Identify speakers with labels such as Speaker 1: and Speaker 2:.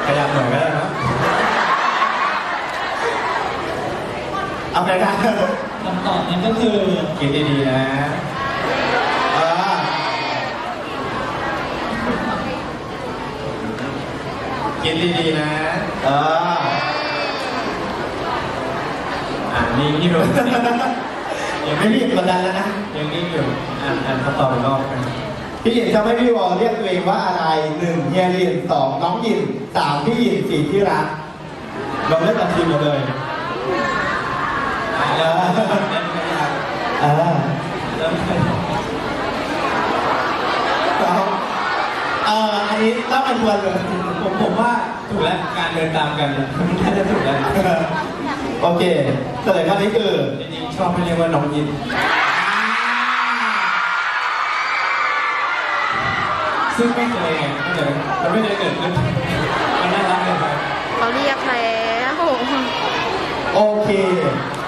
Speaker 1: ยับหน่อยก็ได้นะ
Speaker 2: เอาไปได้
Speaker 3: คำตอบนั้นก็คือ
Speaker 1: คิดดีๆนะคิดดีๆนะนิ่งอยู่
Speaker 2: ยังไม่รีบกดดันแล้วนะ
Speaker 1: ยังนิ่งอยู่อ่านคำตอบอีกรอบกัน
Speaker 2: พี่หยินจะไม่พี่วอลเรียกตัวเองว่าอะไร1เฮียหยิน2น้องหยิน3พี่หยิน4ที่รักเราเลือกตัดทีมหมดเลยอันนี้ต้องเป็นควรเลย
Speaker 1: ผมว่าถูกแล้วการเดินตามกันน่าจะถูกแล้ว
Speaker 2: โอเคเฉลยข้อนี้คือ
Speaker 1: จริงๆชอบให้เรียกว่าน้องยินซึ่งไม่เคยไงมันไม่เคยเกิดขึ้นมันน่ารักเลยครับ
Speaker 4: เขาเรียกแล้ว
Speaker 2: โอเค